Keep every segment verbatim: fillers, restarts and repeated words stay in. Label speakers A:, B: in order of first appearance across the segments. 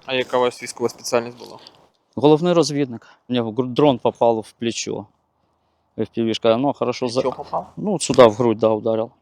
A: А яка у вас військова спеціальність була?
B: Головний розвідник. Мені дрон попав в плечо. еф пі ві-шка. Ну, хорошо. За...
A: Що попав?
B: Ну, сюда в грудь, да, ударил.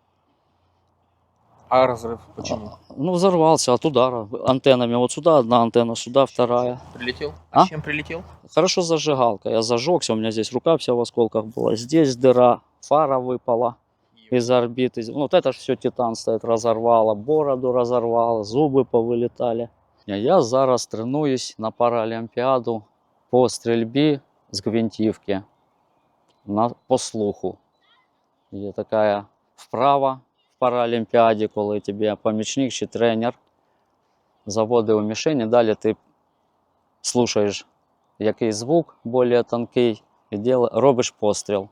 A: А розрив почему?
B: Ну, взорвался от удара антеннами. Вот сюда одна антенна, сюда вторая.
A: Прилетел?
B: А?
A: Чем прилетел?
B: Хорошо зажигалка. Я зажегся, у меня здесь рука вся в осколках была. Здесь дыра, фара выпала из орбиты. Ну, вот это же все титан стоит, разорвало, бороду разорвало, зубы повылетали. Я зараз тренуюсь на паралімпіаду по стрільбі з гвинтівки на, по слуху. Є така вправа в паралімпіаді, коли тобі помічник чи тренер заводить у мішені, далі ти слухаєш який звук більш тонкий і діл, робиш постріл.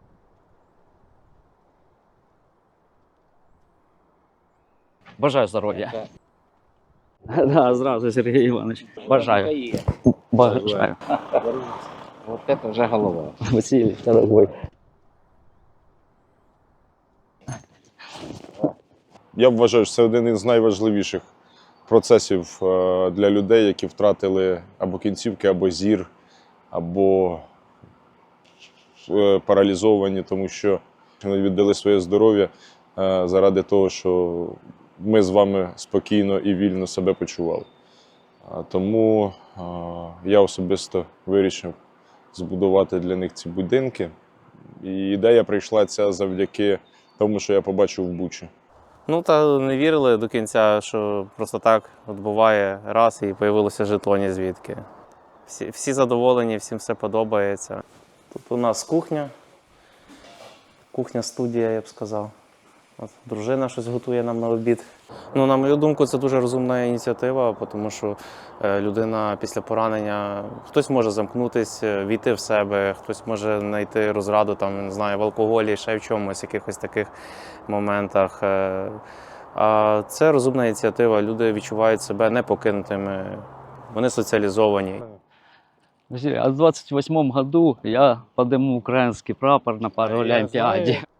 B: Бажаю здоров'я. Да, зразу, Сергій Іванович. Бажаю. Бажаю.
C: Вот это вже голова.
B: Василий, дорогой.
D: Я вважаю, що це один із найважливіших процесів для людей, які втратили або кінцівки, або зір, або паралізовані, тому що вони віддали своє здоров'я заради того, що ми з вами спокійно і вільно себе почували. Тому я особисто вирішив збудувати для них ці будинки. І ідея прийшла ця завдяки тому, що я побачив в Бучі.
E: Ну, та не вірили до кінця, що просто так от буває раз і появилося жетоні звідки. Всі, всі задоволені, всім все подобається. Тут у нас кухня, кухня-студія, я б сказав. От, дружина щось готує нам на обід. Ну, на мою думку, це дуже розумна ініціатива, тому що е, людина після поранення, хтось може замкнутися, війти в себе, хтось може знайти розраду там, не знаю, в алкоголі, ще в чомусь, якихось таких моментах. Е, а це розумна ініціатива, люди відчувають себе непокинутими, вони соціалізовані.
B: А в двадцять восьмому году я подниму украинский прапор на паралимпиаде.